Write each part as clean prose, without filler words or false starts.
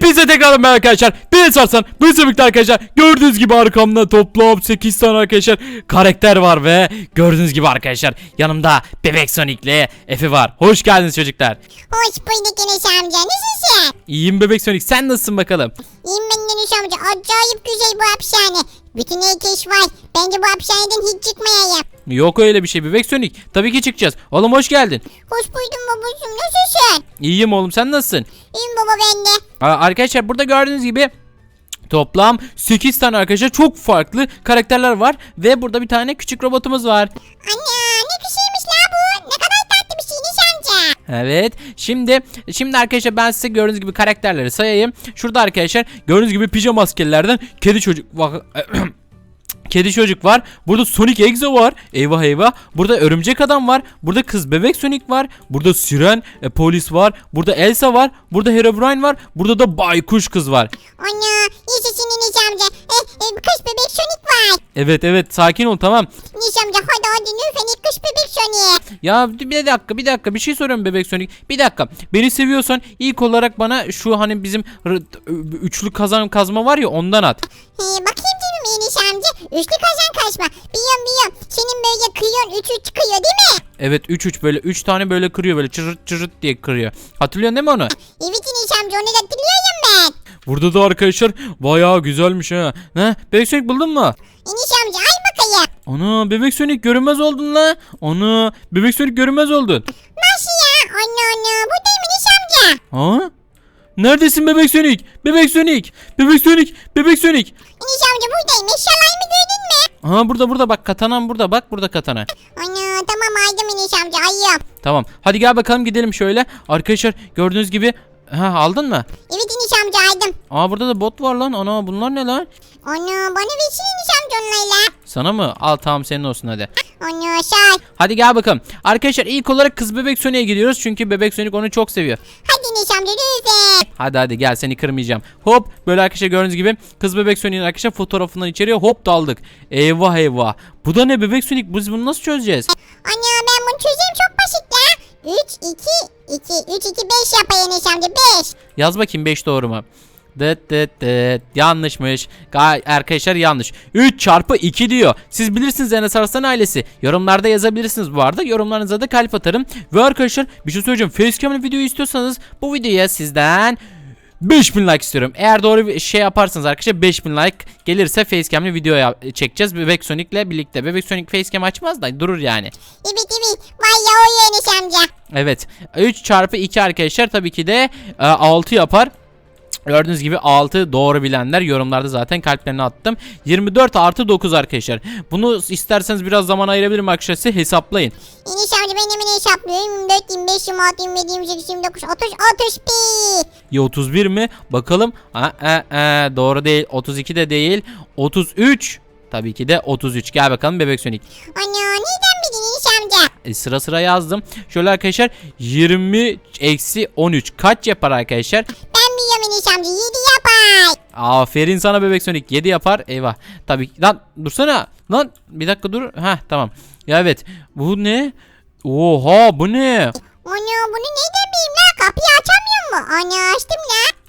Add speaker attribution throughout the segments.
Speaker 1: Hepinize tekrar merhaba arkadaşlar. Ben Sarsan. Bu birlikte arkadaşlar. Gördüğünüz gibi arkamda toplam 8 tane arkadaşlar karakter var ve gördüğünüz gibi arkadaşlar yanımda Bebek Sonic'le Efe var. Hoş geldiniz çocuklar.
Speaker 2: Hoş bulduk Enes amca. Nasılsın?
Speaker 1: İyiyim Bebek Sonic. Sen nasılsın bakalım?
Speaker 2: İyiyim ben Enes amca. Acayip güzel bu hapishane. Bütün herkes var. Bence bu hapishaneden hiç çıkmayayım.
Speaker 1: Yok öyle bir şey Bebek Sonic. Tabii ki çıkacağız. Oğlum hoş geldin.
Speaker 2: Hoş buldum babacığım. Nasılsın?
Speaker 1: İyiyim oğlum, sen nasılsın?
Speaker 2: İyiyim baba ben de.
Speaker 1: Arkadaşlar burada gördüğünüz gibi toplam 8 tane arkadaşlar çok farklı karakterler var. Ve burada bir tane küçük robotumuz var.
Speaker 2: Ana ne kişiymiş la bu? Ne kadar tatlı bir şey Enes amca.
Speaker 1: Evet. Şimdi arkadaşlar ben size gördüğünüz gibi karakterleri sayayım. Şurada arkadaşlar gördüğünüz gibi pijama askerlerden kedi çocuk Kedi çocuk var. Burada Sonic Exo var. Eyvah eyvah. Burada örümcek adam var. Burada kız bebek Sonic var. Burada Siren polis var. Burada Elsa var. Burada Herobrine var. Burada da baykuş kız var.
Speaker 2: Ana yaşasın Enes amca. Kış bebek Sonic var.
Speaker 1: Evet sakin ol, tamam.
Speaker 2: Enes amca hadi lütfen kış bebek Sonic.
Speaker 1: Ya bir dakika bir şey soruyorum bebek Sonic. Bir dakika. Beni seviyorsan ilk olarak bana şu hani bizim üçlü kazma var ya, ondan at.
Speaker 2: Bakayım canım Enes amca. Üçlü kazan kaçma. Biliyorum. Senin böyle kıyıyorsun 3-3 çıkıyor değil mi?
Speaker 1: Evet 3 böyle 3 tane böyle kırıyor, böyle çırırt çırırt diye kırıyor. Hatırlıyorsun değil mi onu?
Speaker 2: Evet Enes amca onu da hatırlıyorum ben.
Speaker 1: Burada da arkadaşlar bayağı güzelmiş ha. Ne? Bebek Sonic buldun mu?
Speaker 2: Enes amca ay bakayım.
Speaker 1: Ana bebek Sonic görünmez oldun la. Ana bebek Sonic görünmez oldun.
Speaker 2: Nasıl ya? Ana buradayım Enes amca.
Speaker 1: Ha? Neredesin bebek Sonic? Bebek Sonic. Bebek Sonic. Bebek Sonic.
Speaker 2: Enes amca buradayım. Eşyalarımı gördün mü?
Speaker 1: Aha burada bak, katanam burada, bak burada katana.
Speaker 2: Ana tamam aydım Enes amca ayım.
Speaker 1: Tamam hadi gel bakalım gidelim şöyle. Arkadaşlar gördüğünüz gibi aldın mı?
Speaker 2: Evet Enes amca aydım.
Speaker 1: Burada da bot var lan. Ana bunlar ne lan?
Speaker 2: Ana bana versin Enes amca onlarla.
Speaker 1: Sana mı? Al tamam, senin olsun hadi.
Speaker 2: Ana sağ ol.
Speaker 1: Hadi gel bakalım. Arkadaşlar ilk olarak kız bebek Sonic'e gidiyoruz. Çünkü bebek Sonic onu çok seviyor.
Speaker 2: Hadi Enes amca lütfen.
Speaker 1: Hadi gel, seni kırmayacağım. Hop böyle arkadaşlar gördüğünüz gibi kız bebek Sonic'in arkadaşlar fotoğrafından içeriye hop daldık. Eyvah. Bu da ne bebek Sonic? Biz bunu nasıl çözeceğiz?
Speaker 2: Ana ben bunu çözeyim çok basit ya. 3 2 5 yapayım Enes amca 5.
Speaker 1: Yaz bakayım 5 doğru mu? Dıt. Yanlışmış. Arkadaşlar yanlış. 3 çarpı 2 diyor. Siz bilirsiniz Enes Arslan ailesi. Yorumlarda yazabilirsiniz bu arada. Yorumlarınıza da kalp atarım. Ve arkadaşlar bir şey söyleyeceğim. Facecam'ın videoyu istiyorsanız bu videoya sizden 5000 like istiyorum. Eğer doğru bir şey yaparsanız arkadaşlar 5000 like gelirse facecam'li video çekeceğiz Bebek Sonic'le birlikte. Bebek Sonic facecam açmaz da durur yani.
Speaker 2: Evet. Vay ya o Enes amca.
Speaker 1: Evet. 3 çarpı 2 arkadaşlar tabii ki de 6 yapar. Gördüğünüz gibi 6 doğru bilenler yorumlarda zaten kalplerini attım. 24 artı 9 arkadaşlar. Bunu isterseniz biraz zaman ayırabilirim arkadaşlar, size hesaplayın.
Speaker 2: Enes amca ben hemen hesaplıyorum. 24, 25, 26, 27, 28, 29, 30, 31.
Speaker 1: Ya 31 mi? Bakalım. Doğru değil. 32 de değil. 33. Tabii ki de 33. Gel bakalım bebek Sonic.
Speaker 2: Ana neden bildin Enes amca?
Speaker 1: Sıra yazdım. Şöyle arkadaşlar 20 eksi 13 kaç yapar arkadaşlar?
Speaker 2: Ben biliyorum Enes amca 7 yapar.
Speaker 1: Aferin sana bebek Sonic, 7 yapar. Eyvah. Tabii lan dursana. Lan bir dakika dur. Evet. Ya evet. Bu ne? Oha bu ne?
Speaker 2: Ana bunu neden bileyim la? Kapıyı açamıyor mu? Ana açtım la.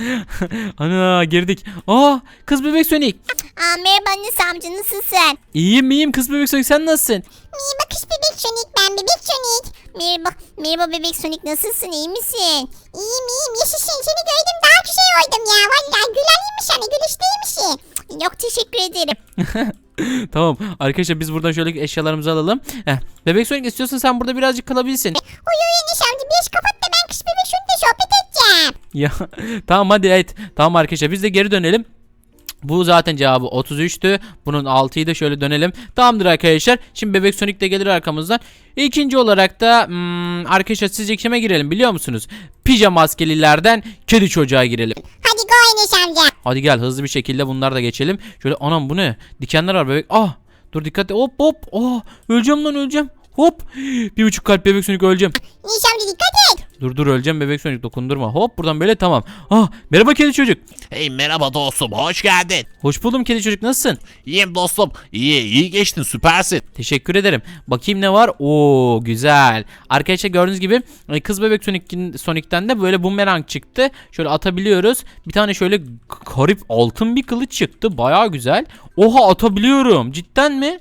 Speaker 1: Ana girdik. Kız bebek Sonic.
Speaker 2: Merhaba Enes amca nasılsın?
Speaker 1: İyiyim kız bebek Sonic, sen nasılsın?
Speaker 2: Merhaba kız bebek Sonic ben bebek Sonic. Merhaba bebek Sonic nasılsın iyi misin? İyiyim yaşasın seni gördüm daha güzel oldum ya. Vallahi güleniymiş sana gülüşteymişsin. Yok teşekkür ederim.
Speaker 1: Tamam arkadaşlar biz buradan şöyle eşyalarımızı alalım. Bebek Sonic istiyorsan sen burada birazcık kalabilirsin.
Speaker 2: Uyu Enes amca bir kapat da ben kız bebek Sonic'le sohbet edeceğim.
Speaker 1: Ya tamam hadi evet. Tamam arkadaşlar biz de geri dönelim. Bu zaten cevabı 33'tü. Bunun 6'yı da şöyle dönelim. Tamamdır arkadaşlar. Şimdi bebek Sonic de gelir arkamızdan. İkinci olarak da arkadaşlar sizce kime girelim biliyor musunuz? Pijama maskelilerden kedi çocuğa girelim.
Speaker 2: Hadi go Enes amca.
Speaker 1: Hadi gel hızlı bir şekilde bunlar da geçelim. Şöyle anam bu ne? Dikenler var bebek. Dur dikkat et. Hop. Öleceğim lan öleceğim. Hop. 1,5 kalp bebek Sonic öleceğim.
Speaker 2: Enes amca dikkat et.
Speaker 1: Dur öleceğim bebek Sonic, dokundurma. Hop buradan böyle, tamam. Ah merhaba kedi çocuk.
Speaker 3: Hey merhaba dostum, hoş geldin.
Speaker 1: Hoş buldum kedi çocuk, nasılsın?
Speaker 3: İyiyim dostum. İyi geçtin, süpersin.
Speaker 1: Teşekkür ederim. Bakayım ne var? Oo güzel. Arkadaşlar gördüğünüz gibi kız bebek Sonic'ten de böyle bumerang çıktı. Şöyle atabiliyoruz. Bir tane şöyle garip altın bir kılıç çıktı. Baya güzel. Oha atabiliyorum. Cidden mi?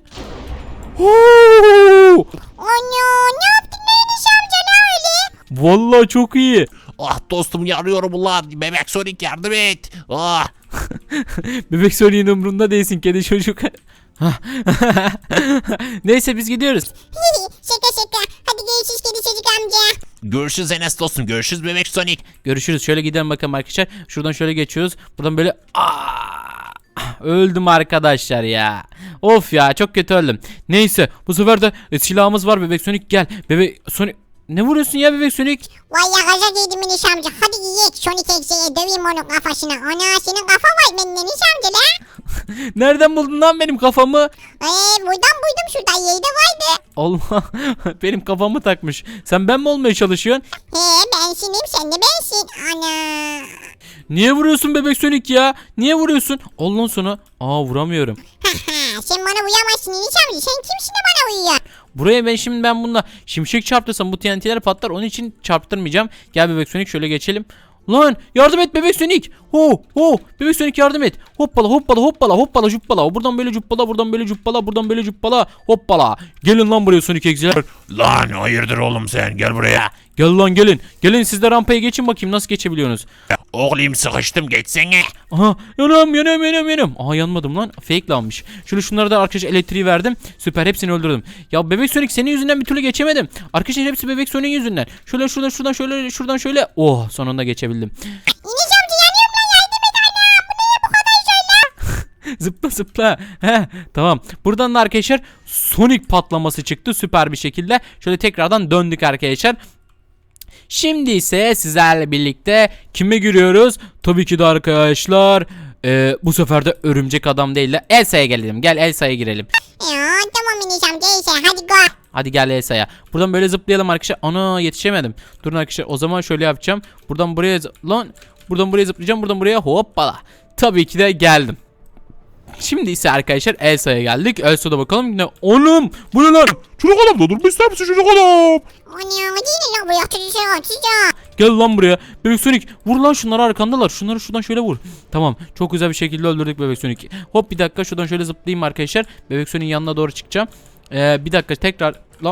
Speaker 2: Ana ne yaptın Enes amca ne öyle?
Speaker 1: Vallahi çok iyi.
Speaker 3: Ah dostum, yanıyorum ulan. Bebek Sonic yardım et. Ah.
Speaker 1: Bebek Sonic'in umrunda değilsin kedi çocuk. Neyse biz gidiyoruz.
Speaker 2: şaka. Hadi görüşürüz kedi çocuk amca.
Speaker 3: Görüşürüz Enes dostum. Görüşürüz Bebek Sonic.
Speaker 1: Görüşürüz. Şöyle gidelim bakalım arkadaşlar. Şuradan şöyle geçiyoruz. Buradan böyle öldüm arkadaşlar ya. Of ya, çok kötü öldüm. Neyse bu sefer de silahımız var bebek Sonic, gel. Bebek Sonic, ne vuruyorsun ya bebek Sonic?
Speaker 2: Vay ya gaza giydim Enes amca. Hadi yiyek Sonic Exe'ye döveyim onun kafasına. Ana senin kafa var benim Enes amca la.
Speaker 1: Nereden buldun lan benim kafamı?
Speaker 2: Buradan buydum şuradan yerde vardı.
Speaker 1: Allah, benim kafamı takmış. Sen ben mi olmaya çalışıyorsun?
Speaker 2: Bensinim sen de bensin. Ana.
Speaker 1: Niye vuruyorsun bebek Sonic ya? Niye vuruyorsun? Allah'ın sonu. Vuramıyorum.
Speaker 2: Sen bana uyamazsın Enes amca. Sen kimsin de bana uyuyor?
Speaker 1: Buraya ben bununla şimşek çarptırsam bu TNT'ler patlar. Onun için çarptırmayacağım. Gel bebek Sonic, şöyle geçelim. Lan yardım et bebek Sonic. Bebek Sonic yardım et. Hoppala cuppala. Buradan böyle cuppala, buradan böyle cuppala, buradan böyle cuppala. Hoppala. Gelin lan buraya Sonic Exe'ler.
Speaker 3: Lan hayırdır oğlum sen, gel buraya.
Speaker 1: Gel lan gelin. Gelin siz de rampaya geçin bakayım nasıl geçebiliyorsunuz.
Speaker 3: Oğlum sıkıştım, geçsene.
Speaker 1: Aha yanıyorum. Aha yanmadım lan. Fake lanmış. Şunlara da arkadaşlar elektriği verdim. Süper, hepsini öldürdüm. Ya bebek Sonic senin yüzünden bir türlü geçemedim. Arkadaşlar hepsi bebek Sonic'in yüzünden. Şuradan şöyle. Oh sonunda geçebildim.
Speaker 2: Enes amca yanıyorum lan yardım et ana. Bu ne bu kadar şöyle?
Speaker 1: Zıpla. Tamam. Buradan da arkadaşlar Sonic patlaması çıktı süper bir şekilde. Şöyle tekrardan döndük arkadaşlar. Şimdi ise sizlerle birlikte kime giriyoruz? Tabii ki de arkadaşlar bu sefer de örümcek adam değil de Elsa'ya gelelim. Gel Elsa'ya girelim.
Speaker 2: Tamam Enes amca iyisi hadi go.
Speaker 1: Hadi gel Elsa'ya. Buradan böyle zıplayalım arkadaşlar. Ana yetişemedim. Durun arkadaşlar, o zaman şöyle yapacağım. Buradan buraya buradan buraya zıplayacağım. Buradan buraya hoppala. Tabii ki de geldim. Şimdi ise arkadaşlar Elsa'ya geldik. Elsa'da bakalım ne? Oğlum bu ne lan?
Speaker 3: Çocuk adam da durma ister misin çocuk adam?
Speaker 2: Ana değil lan bu yatırıcı.
Speaker 1: Gel lan buraya. Bebek Sonic vur lan, şunları arkandalar. Şunları şuradan şöyle vur. Tamam, çok güzel bir şekilde öldürdük Bebek Sonic. Hop bir dakika, şuradan şöyle zıplayayım arkadaşlar. Bebek Sonic'in yanına doğru çıkacağım. Bir dakika tekrar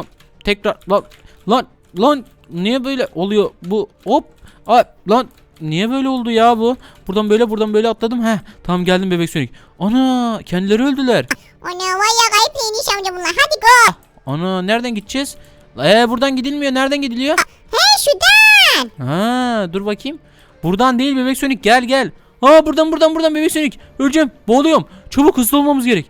Speaker 1: lan niye böyle oluyor bu? Hop lan niye böyle oldu ya bu? Buradan böyle atladım. Tamam geldim Bebek Sonic. Ana kendileri öldüler.
Speaker 2: Ana vay ya kayıp Enes amca bunlar hadi go.
Speaker 1: Ana nereden gideceğiz? Buradan gidilmiyor. Nereden gidiliyor?
Speaker 2: Şuradan.
Speaker 1: Dur bakayım. Buradan değil Bebek Sonic, gel. Buradan Bebek Sonic. Öleceğim. Boğuluyorum. Çabuk hızlı olmamız gerek.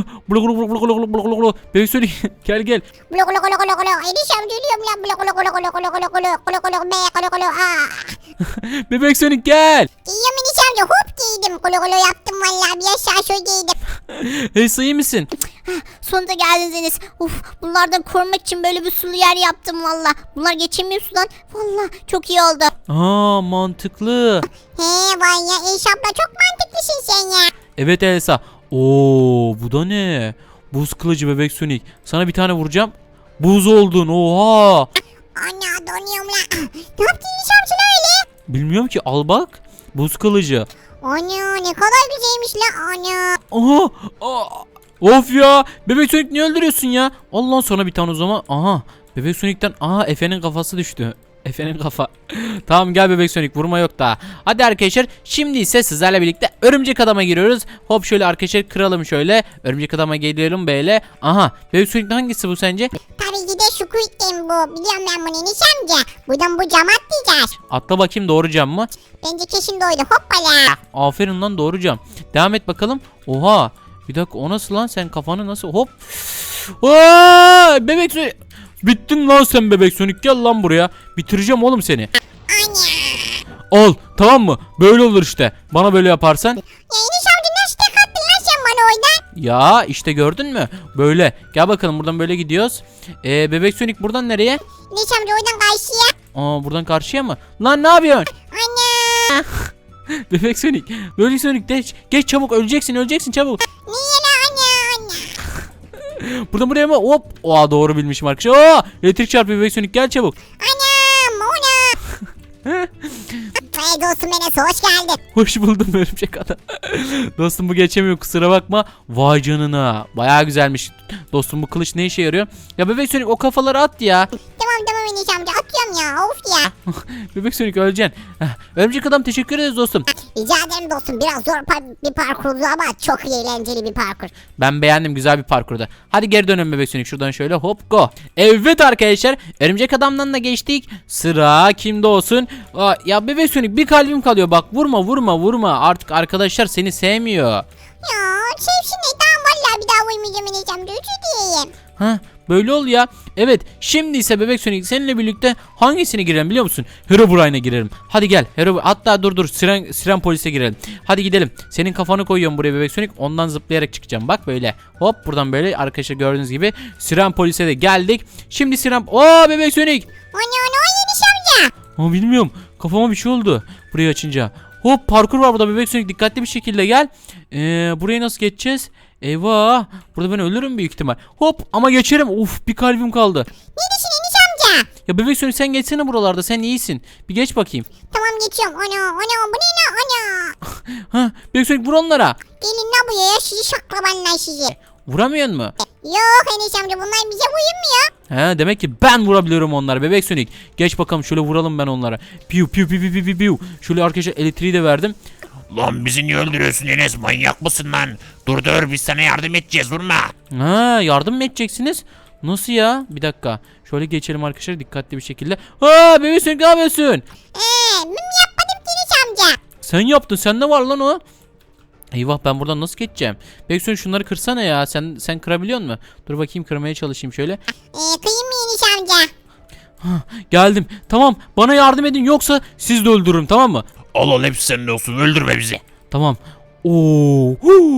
Speaker 1: Bebek Sonic gel.
Speaker 2: Blo blo blo blo blo. Enes amca ölüyorum lan. Blo blo blo blo blo blo blo.
Speaker 1: Bebek Sonic gel.
Speaker 2: Giyiyorum Enes amca hop giydim. Kolo yaptım vallahi bir aşağı şöyle giydim.
Speaker 1: Hey sayı mısın?
Speaker 2: Sonunda geldiniz Enes. Bunlardan korumak için böyle bir sulu yer yaptım valla. Bunlar geçemiyor sudan. Valla çok iyi oldu.
Speaker 1: Mantıklı.
Speaker 2: Vay ya Enes abla çok mantıklısın sen ya.
Speaker 1: Evet Elsa. Bu da ne? Buz kılıcı Bebek Sonic. Sana bir tane vuracağım. Buz oldun. Oha.
Speaker 2: Ana donuyorum lan. Ne yaptın Enes amca öyle?
Speaker 1: Bilmiyorum ki, al bak. Buz kılıcı.
Speaker 2: Ana ne kadar güzelmiş lan ana.
Speaker 1: Of ya. Bebek Sonic niye öldürüyorsun ya? Allah, sonra bir tane o zaman. Bebek Sonic'ten Efe'nin kafası düştü. Efe'nin kafa. Tamam gel Bebek Sonic, vurma yok daha. Hadi arkadaşlar şimdi ise sizlerle birlikte örümcek adama giriyoruz. Hop şöyle arkadaşlar kıralım şöyle. Örümcek adama geliyorum böyle. Bebek Sonic hangisi bu sence?
Speaker 2: Tabii ki de Squid Game bu. Biliyorum ben bunu Enes amca. Buradan bu cam atlayacağız.
Speaker 1: Atla bakayım, doğru cam mı?
Speaker 2: Bence kesin doydu hoppala.
Speaker 1: Aferin lan, doğru cam. Devam et bakalım. Oha. Bir dakika, o nasıl lan, sen kafanı nasıl hop. Bebek Sonic. Bittin lan sen Bebek Sonic, gel lan buraya. Bitireceğim oğlum seni.
Speaker 2: Ana.
Speaker 1: Al, tamam mı? Böyle olur işte. Bana böyle yaparsan.
Speaker 2: Ya Enes amca nasıl tek attın lan sen bana oradan?
Speaker 1: Ya işte gördün mü? Böyle. Gel bakalım buradan böyle gidiyoruz. Bebek Sonic buradan nereye?
Speaker 2: Enes amca oradan karşıya.
Speaker 1: Aa buradan karşıya mı? Lan ne yapıyorsun?
Speaker 2: Ana.
Speaker 1: Bebek Sonic. Bebek Sonic geç çabuk öleceksin çabuk.
Speaker 2: Niye la ana.
Speaker 1: Buradan buraya mı? Hop. Oha doğru bilmişim arkadaşlar. Aa, elektrik çarpıyor Bebek Sonic gel çabuk.
Speaker 2: Anam ona. Hey dostum Enes hoş geldin.
Speaker 1: Hoş buldum örümcek adam. Dostum bu geçemiyor kusura bakma. Vay canına. Bayağı güzelmiş. Dostum bu kılıç ne işe yarıyor? Ya Bebek Sonic o kafaları at ya.
Speaker 2: Tamam Enes amca atıyorum ya of ya.
Speaker 1: Bebek Sonic öleceksin. Örümcek adam teşekkür ederiz dostum.
Speaker 2: Rica ederim dostum biraz zor bir parkurdu ama çok eğlenceli bir parkur.
Speaker 1: Ben beğendim güzel bir parkurda. Hadi geri dönelim Bebek Sonic şuradan şöyle hop go. Evet arkadaşlar örümcek adamdan da geçtik. Sıra kimde olsun? Aa, ya Bebek Sonic bir kalbim kalıyor bak vurma artık arkadaşlar seni sevmiyor.
Speaker 2: Ya sevsin ne tamam valla bir daha uyumayacağım Enes amca özür dileyim.
Speaker 1: Ha böyle ol ya. Evet şimdi ise Bebek Sonic seninle birlikte hangisine girelim biliyor musun? Herobrine'e girelim. Hadi gel. Hatta dur Siren polise girelim. Hadi gidelim. Senin kafanı koyuyorum buraya Bebek Sonic. Ondan zıplayarak çıkacağım. Bak böyle. Hop buradan böyle arkadaşlar gördüğünüz gibi Siren polise de geldik. Şimdi Siren... Oo Bebek Sonic.
Speaker 2: Ana Enes amca.
Speaker 1: Ama bilmiyorum. Kafama bir şey oldu. Burayı açınca. Hop parkur var burada Bebek Sonic dikkatli bir şekilde gel. Burayı nasıl geçeceğiz? Eyvah. Burada ben ölürüm büyük ihtimal. Hop ama geçerim. Uf bir kalbim kaldı.
Speaker 2: Neredesin Enes amca?
Speaker 1: Ya Bebek Sonic sen geçsene buralarda sen iyisin. Bir geç bakayım.
Speaker 2: Tamam geçiyorum. Ana bu ne la ana.
Speaker 1: Ha Bebek Sonic vur onlara.
Speaker 2: Gelin la buraya sizi şaklabanlar sizi.
Speaker 1: Vuramıyor mu?
Speaker 2: Yok Enes amca bunlar bize uyumuyor.
Speaker 1: He demek ki ben vurabiliyorum onlara Bebek Sonic. Geç bakalım şöyle vuralım ben onlara. Piu piu piu piu piu piu. Şöyle arkadaşlar elektriği de verdim.
Speaker 3: Lan bizi niye öldürüyorsun Enes, manyak mısın lan? Dur biz sana yardım edeceğiz, vurma.
Speaker 1: Ha yardım mı edeceksiniz? Nasıl ya? Bir dakika. Şöyle geçelim arkadaşlar dikkatli bir şekilde. Ha Bebek Sonic ne yapıyorsun?
Speaker 2: Müm yapmadım ki Enes amca.
Speaker 1: Sen yaptın. Sende var lan o. Eyvah ben buradan nasıl geçeceğim? Bebek Sonic şunları kırsana ya. Sen kırabiliyor musun? Dur bakayım kırmaya çalışayım şöyle.
Speaker 2: Kıyım mı Enes amca?
Speaker 1: Geldim. Tamam bana yardım edin yoksa siz de öldürürüm tamam mı?
Speaker 3: Al hepsi senin olsun, öldürme bizi.
Speaker 1: Tamam. Oo.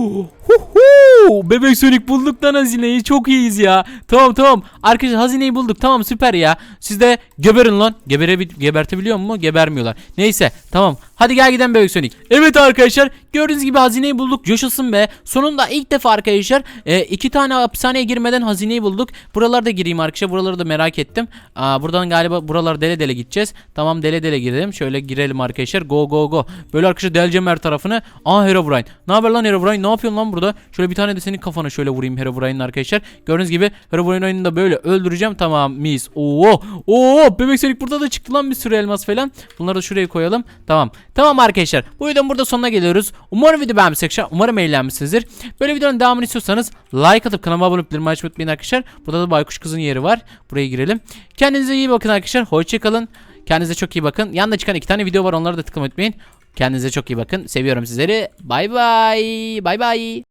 Speaker 1: Bebek Sonic bulduk lan hazineyi. Çok iyiyiz ya. Tamam. Arkadaşlar hazineyi bulduk. Tamam süper ya. Siz de geberin lan. Gebertebiliyor mu? Gebermiyorlar. Neyse tamam. Hadi gel gidelim Bebek Sonic. Evet arkadaşlar. Gördüğünüz gibi hazineyi bulduk. Coşasın be. Sonunda ilk defa arkadaşlar 2 tane hapishaneye girmeden hazineyi bulduk. Buralarda gireyim arkadaşlar. Buraları da merak ettim. Buradan galiba buralar dele gideceğiz. Tamam dele girelim. Şöyle girelim arkadaşlar. Go. Böyle arkadaşlar deleceğim her tarafını. Herobrine. Ne haber lan Herobrine? Ne yapıyorsun lan burada? Şöyle bir tane de senin kafana şöyle vurayım Herobrine'in arkadaşlar. Gördüğünüz gibi Herobrine'ini da böyle öldüreceğim. Tamam mis. Oo Bebek Sonic burada da çıktı lan bir sürü elmas falan. Bunları da şuraya koyalım. Tamam arkadaşlar. Bu videonun burada sonuna geliyoruz. Umarım video beğenmişsinizdir. Umarım eğlenmişsinizdir. Böyle videonun devamını istiyorsanız like atıp kanalıma abone olup bildirim açmayı unutmayın arkadaşlar. Burada da Baykuş Kız'ın yeri var. Buraya girelim. Kendinize iyi bakın arkadaşlar. Hoşçakalın. Kendinize çok iyi bakın. Yanında çıkan 2 tane video var. Onları da tıklamayı unutmayın. Kendinize çok iyi bakın. Seviyorum sizleri. Bay bay.